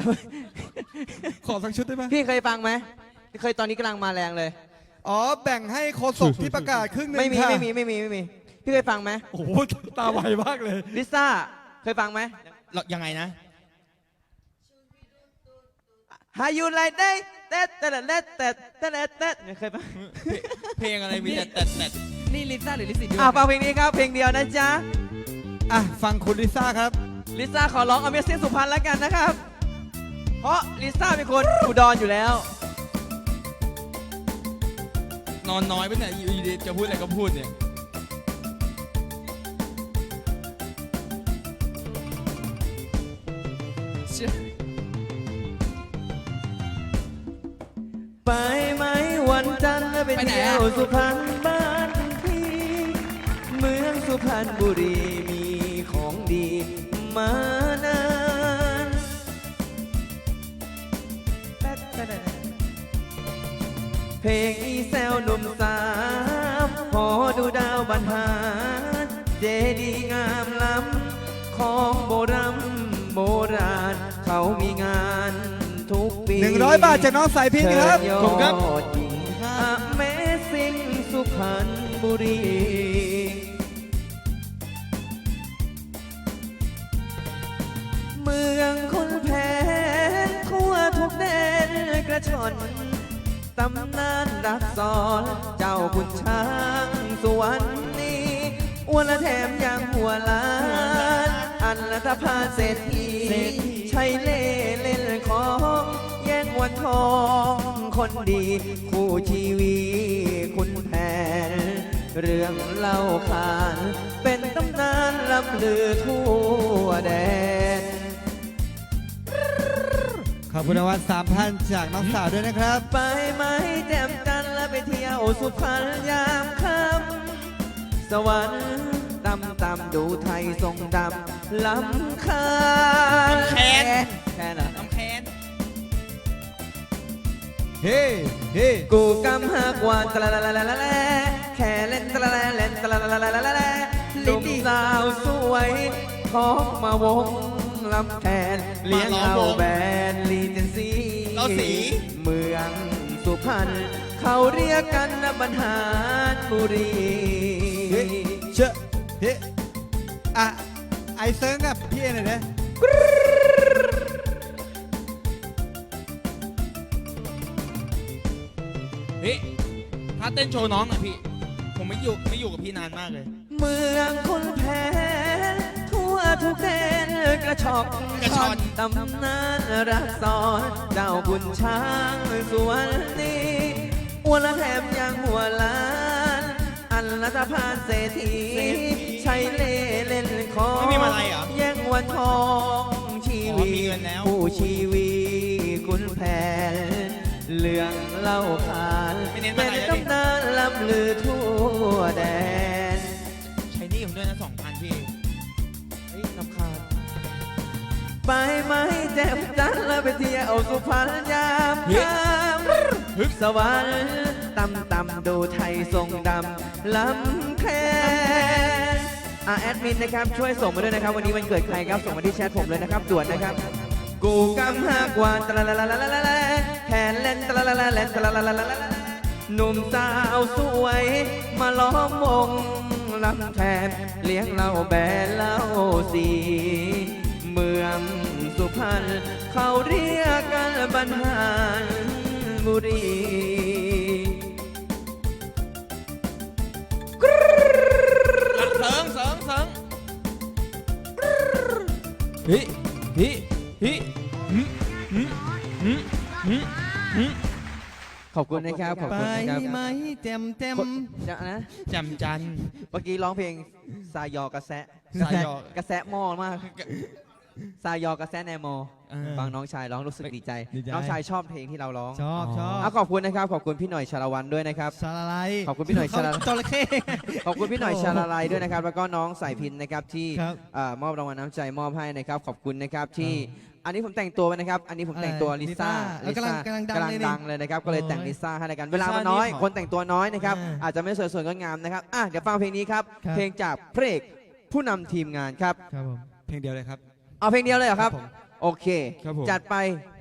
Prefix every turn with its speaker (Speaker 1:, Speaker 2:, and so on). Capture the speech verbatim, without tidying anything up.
Speaker 1: ขอสักชุดได้ไหม
Speaker 2: พี่เคยฟังไหมเคยตอนนี้กำลังมาแรงเลย
Speaker 1: อ๋อแบ่งให้โคศกที่ประกาศครึ่งหนึง
Speaker 2: ไม่มี
Speaker 1: ค่ะ
Speaker 2: ไม่มีไม่มีไม่มีพี่เคยฟังไหม
Speaker 1: โอ้โหตาไวมากเลย
Speaker 2: ลิซ่าเคยฟังไหม
Speaker 3: ยังไงนะ
Speaker 2: How you like that เต้เต้เต้เต้เต้เต้เคยฟัง
Speaker 3: เพลงอะไรมีแต่แต่แต่
Speaker 4: นี่ลิซ่าหรือลิซี่ด้วย
Speaker 2: อ่ะฟังเพลงนี้ครับเพลงเดียวนะจ๊ะ
Speaker 1: อ่ะฟังคุณลิซ่าครับ
Speaker 2: ลิซ่าขอร้อง Amazing สุพรรณแล้วกันนะครับ เพราะลิซ่าเป็นคนอุดรอยู่แล้ว
Speaker 3: นอนน้อยไปเนี่ยอยู่ดีๆจะพูดอะไรก็พูดเนี่ย
Speaker 2: ไปไหมวันจันทร์ไปเที่ยวสุพรรณบ้านพี่เมืองสุพรรณบุรีมีของดีมานานเพลงอีแซวหนุ่มสามพอดูดาวบรรหารเจดีย์งามล้ำของโบราณโบราณเขามีงานทุกปี
Speaker 1: หนึ่งร้อยบาทจากน้องสายพินครับ
Speaker 2: ขอบคุณครับ Amazing สุพรรณบุรี เมืองคนแพ้ทั่วทุกแดนกระชอนตำนานรักสอนเจ้าคุณช้างสวรรค์นี้อ้วนและแถมยังหัวล้าน อันละทพาเศรษฐีใช้เล่เล่นของแย่งวันทองคนดีคู่ชีวีคุณแผนเรื่องเล่าขานเป็นตำนานล้ำลือทั่วแดน
Speaker 1: ขอบคุณรางวัลสามพันจากน้องสาวด้วยนะครับ
Speaker 2: ไปไหมแจ่มจันทร์แล้วไปเที่ยวสุพรรณยามค่ำสวรรค์ตำตำดูไทยทรงดำล้ำค่า
Speaker 3: แค้น
Speaker 2: แค่เหรอ
Speaker 3: น้ำแค้น
Speaker 1: เฮ้เฮ้
Speaker 2: กูกำหักวานตะละละละละละละแค่เล่นตะละละเล่นตะละละละละละละหนุ่มสาวสวยของมาวงลำแคนเลี้ยงเอาแบนลีเจนซี
Speaker 3: เราสี
Speaker 2: เมืองสุพรรณเขาเรียกกันนะบรรหารบุรี
Speaker 1: เฮ้เชอะเฮ้อ่ะไอเซิร์งกับพี่เอหน่อยนะ
Speaker 3: พี่ถ้าเต้นโชว์น้องหน่อยพี่ ผมไม่อยู่ไม่อยู่กับพี่นานมากเลย
Speaker 2: เมืองคนแพ้ทั่วทุกแดนกระชอก
Speaker 3: กระชอน
Speaker 2: ตำนานรักสอนเจ้าบุญช้างสวนนี้อ้วนและแถมยังหัวล้าน อันละทพานเศรษฐีใช้เล่เล่นของ
Speaker 3: ไม่มีมาลัยเหรอ
Speaker 2: แย่งวันทองชี
Speaker 3: อ๋อ
Speaker 2: วี
Speaker 3: มีเงินแล้ว
Speaker 2: ผู้ชีวีคุณแผนเรื่องเล่าขาน
Speaker 3: ไม่เน้น
Speaker 2: เป็
Speaker 3: มาน ลัยแล้วดิ
Speaker 2: ตำนานล้ำลือทั่วแดน
Speaker 3: ใช้หนี่ผมด้วยนะสองพันพี่
Speaker 2: เฮ้ยรำคาญไปไหมแจ่มจันทร์แล้วไปเที่ยวสุพรรณยาม
Speaker 3: เฮ้ย
Speaker 2: ค่
Speaker 3: ฮึบ
Speaker 2: ำสวรรค์ตำตำดูไทยทรงดำล้ำแค่อ่ะแอดมินนะครับช่วยส่งมาด้วยนะครับ วันนี้วันเกิดใครครับส่งมาที่แชทผมเลยนะครับด่วนนะครับ กูกำหักวานตะละละละละละละละแขนเล่นตะละละละเล่นตะละละละละละหนุ่มสาวสวยมาล้อมวงลำแทนเลี้ยงเหล้าแบนเหล้าสีเมืองสุพรรณเขาเรียกกันบรรหารบุรี
Speaker 3: เสิงเสิงเสิง
Speaker 4: ฮิฮิฮิ
Speaker 2: ขอบคุณนะครับขอบ
Speaker 4: ไป
Speaker 2: คุณนะครับ
Speaker 4: ไหมเต็มเต็ม
Speaker 2: เดี๋ยวนะ
Speaker 3: จำจันทร์
Speaker 2: เมื่อกี้ร้องเพลงซายอกระแส
Speaker 3: ซายอ
Speaker 2: กระแสหม้อมากซายอกระแสแนมอ
Speaker 3: เออ
Speaker 2: ฟังน้องชายร้องรู้สึกดีใจ
Speaker 4: ดีใจ
Speaker 2: น้องชายชอบเพลงที่เราร้อง
Speaker 4: ชอบชอบ
Speaker 2: เอาขอบคุณนะครับ ขอบคุณพี่หน่อยชาละวันด้วยนะครับ
Speaker 4: สาลาย
Speaker 2: ขอบคุณพี่หน่อยชาละ
Speaker 4: จระเข้
Speaker 2: ขอบคุณพี่หน่อยชาละลายด้วยนะครับ แล้วก็น้องสายพินนะครับที่
Speaker 4: ครับ
Speaker 2: เอ่อมอบรางวัลน้ำใจมอบให้นะครับ ขอบคุณนะครับที่อันนี้ผมแต่งตัวไปนะครับ อันนี้ผมแต่งตัว
Speaker 4: อะไร
Speaker 2: ลิซ่า
Speaker 4: ลิซ่า
Speaker 2: ลิ
Speaker 4: กำลังกำลังดัง
Speaker 2: กำลัง
Speaker 4: เลยนี่
Speaker 2: ดังเลยนะครับ ก็เลยแต่ง
Speaker 4: โอ้ย
Speaker 2: ลิซ่าให้แล้วกัน เวลามัน
Speaker 4: ลิซ่า
Speaker 2: น้อย
Speaker 4: นี่ขอ
Speaker 2: คนแต่งตัวน้อยนะครับ
Speaker 4: อ่า
Speaker 2: อาจจะไม่สวยสวยงดงามนะครับอ่ะเดี๋ยวฟังเพลงนี้ครับ
Speaker 4: ครับ
Speaker 2: เพลงจากพระเอกผู้นำทีมงานครับ
Speaker 4: ครับผม
Speaker 1: เพลงเดียวเลยครับ
Speaker 2: เอาเพลงเดียวเลยเหรอครับ
Speaker 1: ผม
Speaker 2: โอเค
Speaker 3: ครับผม
Speaker 2: จัดไป